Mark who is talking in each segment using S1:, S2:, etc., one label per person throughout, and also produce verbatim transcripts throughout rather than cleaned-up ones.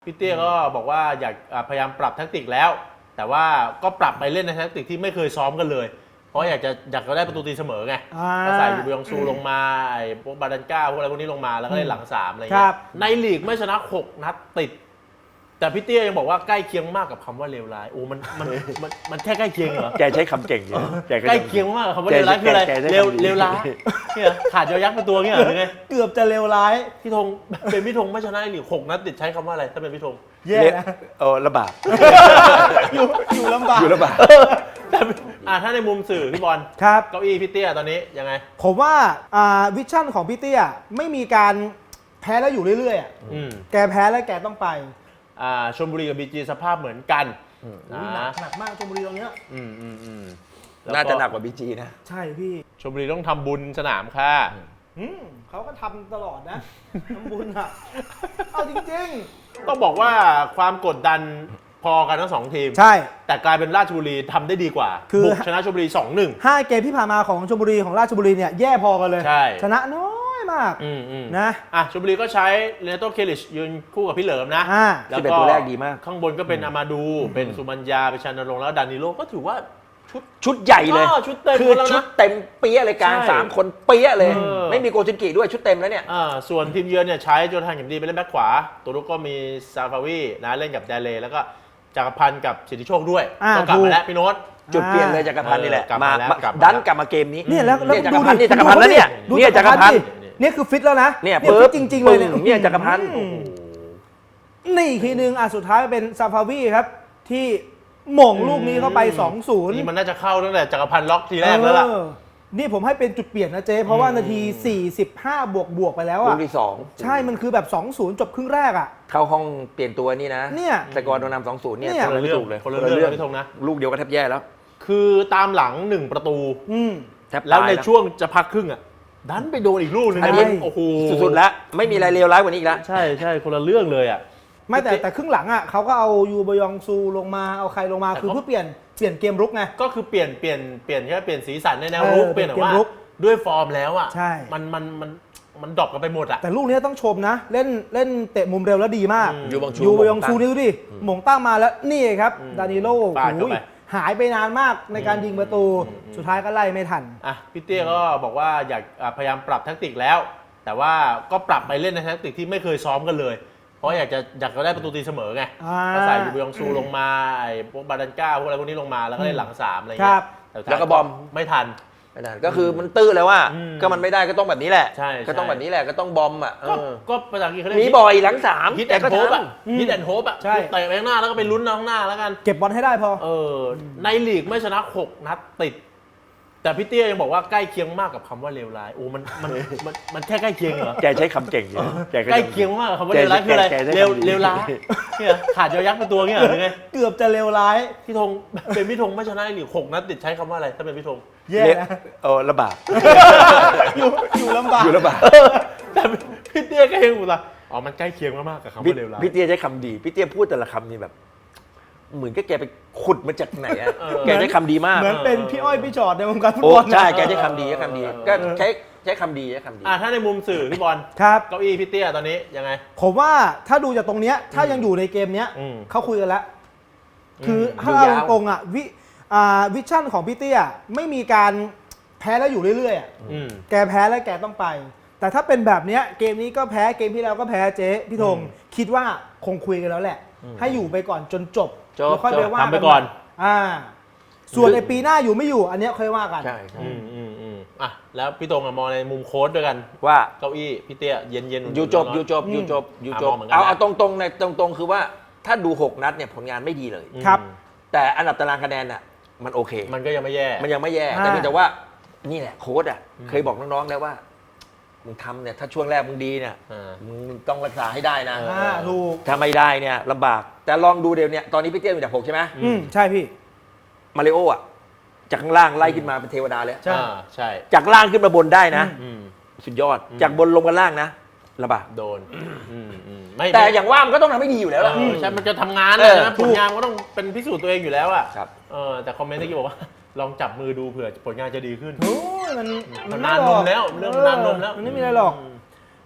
S1: พี่เตี้ยก็บอกว่าอยากพยายามปรับแทคติกแล้วแต่ว่าก็ปรับไปเล่นในแทคติกที่ไม่เคยซ้อมกันเลยเพราะอยากจะอยากจะได้ประตูตีเสมอไงก็ใส่ยูบยองซูลงมาไอ้พวกบาดันก้าพวกอะไรพวกนี้ลงมาแล้วก็เล่นหลังสามอะไรเงี้ยในลีกไม่ชนะหกนัดติดแต่พี่เตี้ยยังบอกว่าใกล้เคียงมากกับคำว่าเลวร้ายโอ้มันมันมันมันแค่ใกล้เคียงเหรอ
S2: แกใช้คำเก่งอยู่
S1: ใกล้เคียงมากกับคำว่าเลวร้ายคืออะไรเลวเลวร้ายเนี่ยขาดยอยักษ์เป็นตัวเงี้ยหรือไง
S3: เกือบจะเลวร้าย
S1: พี่ธงเป็นพี่ธงไม่ชนะในลีกหกนัดติดใช้คำว่าอะไรถ้าเป็นพี่ธง
S3: แย่นะ
S2: เออลำบาก
S3: อยู่อยู่ลำบาก
S2: อยู่ลำบาก
S1: แต่อ่าถ้าในมุมสื่อพี่บอล
S3: ครับ
S1: เก้าอี้พี่เตี้ยตอนนี้ยังไง
S3: ผมว่าอ่าวิชั่นของพี่เตี้ยไม่มีการแพ้แล้วอยู่เรื่อยๆอ่ะแกแพ้แล้วแกต้องไป
S1: อ่าชลบุรีกับบีจีสภาพเหมือนกัน
S3: หนักหนักมากชลบุรีตรงเนี้ย
S1: อืมอืมอืม
S2: น่าจะหนักกว่าบีจีนะ
S3: ใช่พี่
S1: ชลบุรีต้องทำบุญสนามค่ะ
S3: เขาก็ทำตลอดนะทำบุญอ่ะเอาจริง
S1: ๆต้องบอกว่าความกดดันพอกันทั้งสองทีม
S3: ใช่
S1: แต่กลายเป็นราชบุรีทำได้ดีกว่าบุกชนะชลบุรี สองหนึ่ง
S3: ห้าเกมที่ผ่านมาของชลบุรีของราชบุรีเนี่ยแย่พอกันเลย
S1: ใช่
S3: ชนะน้อยมากนะ
S1: อ่ะชลบุรีก็ใช้เรโตเคลิชยืนคู่กับพี่เหลิมนะ
S2: แล้วก็ตัวแรกดีมาก
S1: ข้างบนก็เป็นอามาดูเป็นสุมัญญาเป็นชานรงค์แล้วดานิโลก็ถือว่าชุด
S2: ชุดใหญ่เลย
S1: ชุดเต็ม
S2: คือชุดเต็มเปี้ยเลยกลางสามคนเปี้ยเลยไม่มีโกซินกิด้วยชุดเต็มแล้วเนี่ย
S1: ส่วนทีมเยือนเนี่ยใช้โจทานเข็มดีไปเล่นแบ็คขวาตัวรุกก็มีซาฟาวีนะเล่นกับเดเลแล้วก็จักรพันธ์กับสิทธิโชคด้วยก็กลับมาแล้วพี่โน้ต
S2: จุดเปลี่ยนเลยจักรพันธ์นี่แหละ
S1: มา
S2: ดันกลับมาเกมนี้
S3: เนี่ยแล้ว
S2: จักรพันธ์นี่จักรพันธ์แล้วเนี่ยเนี่ยจักรพันธ์
S3: เนี่ยคือฟิตแล้วนะ
S2: เนี่ยฟิต
S3: จริงๆเลยเนี่ย
S2: เนี่ยจักรพันธ์
S3: นี่อีกทีนึงอ่ะสุดท้ายเป็นซาฟาวีครับที่หม่งลูกนี้เข้าไป สองศูนย์
S1: นี่มันน่าจะเข้าตั้งแต่จักรพันธ์ล็อกทีแรกแล้วล่ะ
S3: นี่ผมให้เป็นจุดเปลี่ยนนะเจ๊เพราะว่านาทีสี่สิบห้าบวกบวกไปแล้วอ่ะ
S2: ลูกที่สอง
S3: ใช่มันคือแบบ สองศูนย์ จบครึ่งแรกอ่ะ
S2: เข้าห้องเปลี่ยนตัวนี่นะ
S3: เนี่ย
S2: แต่ก่อนโดนนำ สองศูนย์ เนี่ย
S1: คนละเรื่องเลยคนละเรื่องพี่ธงนะ
S2: ลูกเดียวก็แทบแย่แล้ว
S1: คือตามหลังหนึ่งประตู
S2: แทบ
S1: แล้วในช่วงจะพักครึ่งอ่ะดันไปโดนอีกลูกนึงนะโอ้โห
S2: สุดๆแล้วไม่มีอะไรเลวร้ายกว่านี้อีกแล้ว
S1: ใช่ใช่คนละเรื่องเลยอ่ะ
S3: ไม่แต่แต่ครึ่งหลังอ่ะเขาก็เอายูบยองซูลงมาเอาใครลงมาคือเพื่อเปลี่ยนเปลี่ยนเกมรุกไง
S1: ก็คือเปลี่ยนเปลี่ยนเปลี่ยนแค่เปลี่ยนสีสันในแนวรุกเปลี่ยนแต่ว่าด้วยฟอร์มแล้วอ่ะมันมันมันมันดรอปกันไปหมดอ่ะ
S3: แต่ลูกนี้ต้องชมนะเล่นเล่นเตะมุมเร็วแล้วดีมาก
S2: ยูบองซู
S3: ยูบยองซูนี่ดูดิหม่งตั้งมาแล้วนี่ครับดานิโลหายไปนานมากในการยิงประตูสุดท้ายก็ไล่ไม่ทัน
S1: อ่ะพี่เตี้ยก็บอกว่าอยากพยายามปรับแทคติกแล้วแต่ว่าก็ปรับไปเล่นในแทคติกที่ไม่เคยซ้อมกันเลยเพราะอยากจะอยากจะได้ประตูตีเสมอไงก็ใส่ยูบยองซูลงมาไอ้พวกบาดันก้าพวกอะไรพวกนี้ลงมาแล้วก็เล่นหลังสามอะไรเงี้ย
S2: แล้วก็บอม
S1: ไม่ทัน
S2: ไม่ทันก็คือมันตื้อแล้วว่าก็มันไม่ได้ก็ต้องแบบนี้แหละก็ต้องแบบนี้แหละก็ต้องบอมอ่ะ
S1: ก็ภาษาอังกฤษเขาเรียก
S2: มีบ่อยหลังสาม
S1: ฮิตแอนด์โฮปอ่ะฮิตแอนด์โฮปอ่ะเตะไปข้างหน้าแล้วก็ไปลุ้นข้างหน้าแล้วกัน
S3: เก็บบอลให้ได้พอ
S1: เออในลีกไม่ชนะหกนัดติดแต่พี่เตี้ยยังบอกว่าใกล้เคียงมากกับคำว่าเลวร้ายโอ้มันมันมันมันแค่ใกล้เคียงเหรอ
S2: แกใช้คำเก่งอยู่
S1: ใกล้เคียงมากกับคำว่าเลวร้ายคืออะไรเลวเลวร้ายเนี่ยขาดยอยักษ์เป็นตัวเงี้ยหรือไง
S3: เกือบจะเลวร้าย
S1: พี่ธงเป็นพี่ธงไม่ชนะในลีกหกนัดติดใช้คำว่าอะไรถ้าเป็นพี่ธง
S3: แย่นะ
S2: เออลำบาก
S3: อยู่อยู่ลำบาก
S2: อยู่ลำบาก
S1: แต่พี่เตี้ยก็ยังอุตส่าห์อ๋อมันใกล้เคียงมากๆกับคำว่าเลวร้าย
S2: พี่เตี้ยใช้คำดีพี่เตี้ยพูดแต่ละคำนี่แบบเหมือนก็แกไปขุดมาจากไหนอ่ะแกใช้คำดีมาก
S3: เหมือนเป็นพี่อ้อยพี่จอดในวงการฟุต
S2: บ
S3: อล
S2: ใช่แกใช้คำดีใช้คำดีก็ใช้ใช้คำดีใช้คำดี
S1: อ่าถ้าในมุมสื่อพี่บอล
S3: ครับ
S1: เก้าอี้พี่เตี้ยตอนนี้ยังไง
S3: ผมว่าถ้าดูจากตรงเนี้ยถ้ายังอยู่ในเกมเนี้ยเขาคุยกันแล้วคือถ้าเอาตรงอ่ะวิอ่าวิชั่นของพี่เตี้ยไม่มีการแพ้แล้วอยู่เรื่อยๆอ่ะแกแพ้แล้วแกต้องไปแต่ถ้าเป็นแบบเนี้ยเกมนี้ก็แพ้เกมที่แล้วก็แพ้เจ๊พี่ธงคิดว่าคงคุยกันแล้วแหละให้อยู่ไปก่อนจนจบแล้วค่อยไปว่า
S1: กันไปก่อน
S3: อ่าส่วนในปีหน้าอยู่ไม่อยู่อันนี้ค่อยว่ากัน
S2: ใช่ใช่
S1: อืมอืมอืมอ่ะแล้วพี่ตรงมองในมุมโค้ชด้วยกัน
S2: ว่า
S1: เก้าอี้พี่เตี้ยเย็นเย็น
S2: อยู่จบอยู่จบอยู่จบอยู่จบเอาเอาตรงตรงในตรงตรงคือว่าถ้าดูหกนัดเนี่ยผลงานไม่ดีเลย
S3: ครับ
S2: แต่อันดับตารางคะแนนน่ะมันโอเค
S1: มันก็ยังไม่แย่
S2: มันยังไม่แย่แต่เพียงแต่ว่านี่แหละโค้ชอ่ะเคยบอกน้องๆแล้วว่ามึงทำเนี่ยถ้าช่วงแรกมึงดีเนี่ยมึงต้องรักษาให้ได้นะ
S3: ถูก
S2: ถ้าไม่ได้เนี่ยลำบากแต่ลองดูเดี๋ยวนี้ตอนนี้พี่เตี้ยมีแต่หกใช่ไหม
S3: อืมใช่พี่
S2: มาริโออ่ะจากข้างล่างไล่ขึ้นมาเป็นเทวดาเลย
S1: ใช่ใช่
S2: จากล่างขึ้นมาบนได้นะสุดยอดจากบนลงมาล่างนะลำบาก
S1: โดน
S2: แต่อย่างว่ามันก็ต้องทำให้ดีอยู่แล้วล่ะ
S1: ใช่มันจะทำงานเลยนะผลงานก็ต้องเป็นพิสูจน์ตัวเองอยู่แล้วอ่ะแต่คอมเมนต์ที่บอกว่าลองจับมือดูเผื่อผลงานจะดีขึ้น
S3: โอ้ยมัน
S1: มันนานนมแล้วเรื่องนานนมแล้ว
S3: มันไม่มีอะไรหรอก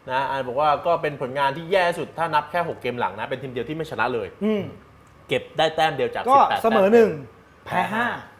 S1: นะอันบอกว่าก็เป็นผลงานที่แย่สุดถ้านับแค่หกเกมหลังนะเป็นทีมเดียวที่ไม่ชนะเลย
S3: อืม
S1: เก็บได้แต้มเดียวจาก
S3: ก็
S1: สิบแปด
S3: เสมอ
S1: แต้
S3: หนึ่งแพ้ห้า